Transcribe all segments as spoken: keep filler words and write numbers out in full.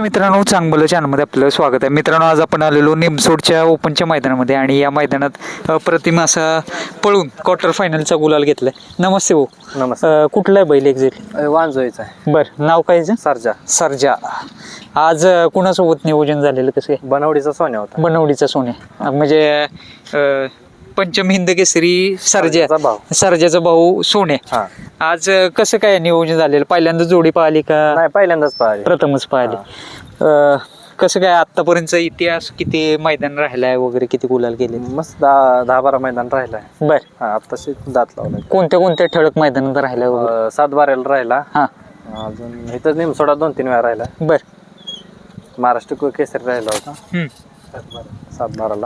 नमस्ते मित्रांनो, चांगलं चॅनलमध्ये आपलं स्वागत आहे. मित्रांनो, आज आपण आलेलो निमसोडच्या ओपनच्या मैदानामध्ये आणि या मैदानात अप्रतिम असा पळून क्वार्टर फायनलचा गुलाल घेतलाय. नमस्ते भाऊ. नमस्ते. अं, कुठला आहे बैल एक्झॅक्ट? वांजोईचा आहे. बरं, नाव काय याचं? सरजा. सरजा. आज अं, कुणासोबत नियोजन झालेलं कसं काय? बनवडीचा सोन्या होता. बनवडीचा सोन्या म्हणजे अं, पंचम हिंद केसरी सरजा, सरजाचा भाऊ. सरजाचा भाऊ सोन्या. हा. आज अं, कसं काय नियोजन झालेलं? पहिल्यांदा जोडी पाहिली का नाही, पहिल्यांदाच पाहिजे. प्रथमच पाहिले? अं, कसं काय आतापर्यंतचा इतिहास, किती मैदान राहिलाय वगैरे, किती गुलाल गेले? मस्त दहा दहा बारा मैदान राहिलाय. बर, हा, आत्ताशी दात लावलाय. कोणत्या कोणत्या ठळक मैदानात राहिलाय वगैरे? अं, सात बाराला राहिला. हा. अजून इथं निमसोडा दोन तीन वेळा राहिला. बर. महाराष्ट्र को- केसरी राहिला होता हम्म. सात बाराला.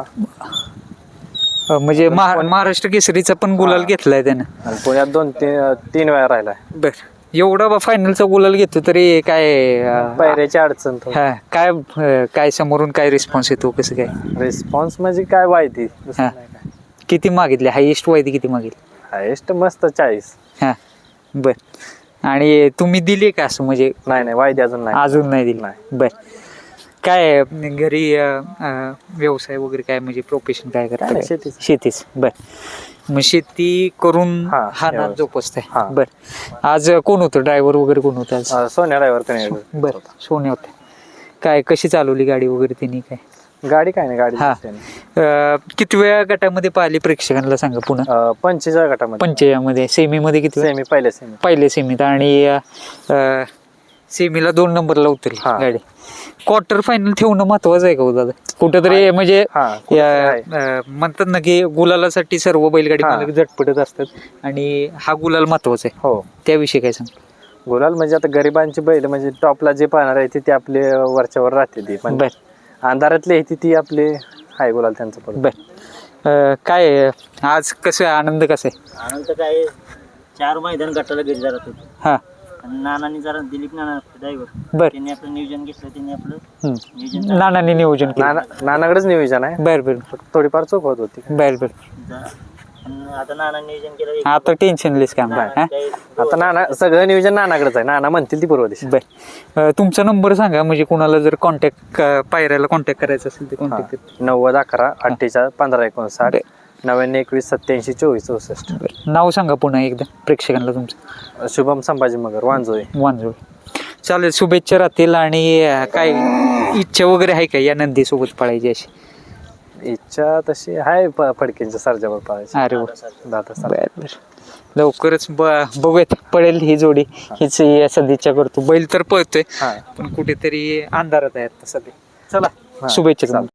अं, म्हणजे महा- महाराष्ट्र केसरीचा पण गुलाल घेतलाय त्यानं. आणि पुण्यात दोन तीन तीन वेळा राहिलाय. बर, एवढा बा फायनलचा गुलाल घेतो तरी काय अं, पायऱ्याची अडचण थोडी. हा, काय अं, काय समोरून काय रिस्पॉन्स येतो, कसं काय? रिस्पॉन्स म्हणजे काय वायती दुसरं हा. नाही काय. किती मागितले? हायेस्ट वायदी किती मागितली? हायेस्ट मस्त चाळीस. हा. बर, आणि तुम्ही दिली का असं म्हणजे? नाही नाही, वायदी अजून नाही. अजून नाही दिली. नाही. बर, काय घरी अं, अं, व्यवसाय वगैरे काय म्हणजे प्रोफेशन काय काय करता? नाही, शेतीच. शेतीच. बर, मग शेती करून हा, हा नाद व्यवसाय. जोपासताय. हा. बर, आज कोण होतं ड्रायव्हर वगैरे, कोण होतं आज? अं, सोन्या ड्रायव्हर कने बर, सोने होते. काय कशी चालवली गाडी वगैरे त्यांनी काय? गाडी काय नाही, गाडी हा. अं, किती वेळा गटामध्ये पाहिली प्रेक्षकांना सांगा पुन्हा? पंचेचाळीस गटामध्ये. पंचयामध्ये सेमीमध्ये किती वेळा? सेमी पहिल्या सेमी. पहिले सेमीत आणि अं, सेमीला दोन नंबरला उतरली हा. गाडी. क्वार्टर फायनल ठेवणं महत्वाचं आहे का हो दादा? कुठंतरी म्हणजे हा, कुठंतरी या- आहे. अं, म्हणतात ना की गुलालासाठी सर्व बैलगाडी हा. मालक झटपटत असतात आणि हा गुलाल महत्वाचा आहे. हो, त्याविषयी काय सांग? गुलाल म्हणजे आता गरिबांची बैल म्हणजे टॉपला जे पाहणार आहे ते आपले वरच्यावर राहते ती, पण बर. अंधारातले ती ती आपले हाय गुलाल त्यांचं पण. बर, अं, काय आहे? आज कसं आहे? आनंद कसा आहे? आनंद काय चार मैदान गटाला गेले जरा होते हा. आणि नानांनी जरा दिलीप नाना ड्रायव्हर बर. त्यांनी आपलं नियोजन घेतलं, त्यांनी आपलं हम्म. नियोजन नानांनी नियोजन केलं. नाना नानाकडेच नियोजन आहे. बर बर फक्त थोडीफार चूक होत होती. बर बर. जा- आणि आता नानांनी नियोजन केलं एक- आता टेन्शनलेस काम आहे. हा? काही आता नाना सगळं नियोजन नानाकडेच आहे. नाना म्हणतील ती पूर्व दिशा. बर, अं, तुमचा नंबर सांगा म्हणजे कुणाला जर कॉन्टॅक्ट पायऱ्याला कॉन्टॅक्ट करायचं असेल ते कॉन्टॅक्ट. नव्वद अकरा अठ्ठेचाळीस पंधरा एकोणसाठ नव्याण्णव एकवीस सत्याऐंशी चोवीस चौसष्ट. नाव सांगा पुन्हा एकदा प्रेक्षकांना तुमचं. शुभम संभाजी मगर, वांजोळी. वांजोळ. चालेल, शुभेच्छा राहतील. आणि अं, काय इच्छा वगैरे आहे का या नंदीसोबत पळायची अशी? इच्छा तशी आहे प- फडकेंच्या सरजावर पाहायची. अरे वा. दादा सर. बर बर, लवकरच ब- बघूयात पळेल ही जोडी, हीच सदिच्छा करतो. बैल तर पळतोय हा. पण कुठेतरी अंधारात आहे आता सध्या. चला, हा. शुभेच्छा तुम्हाला.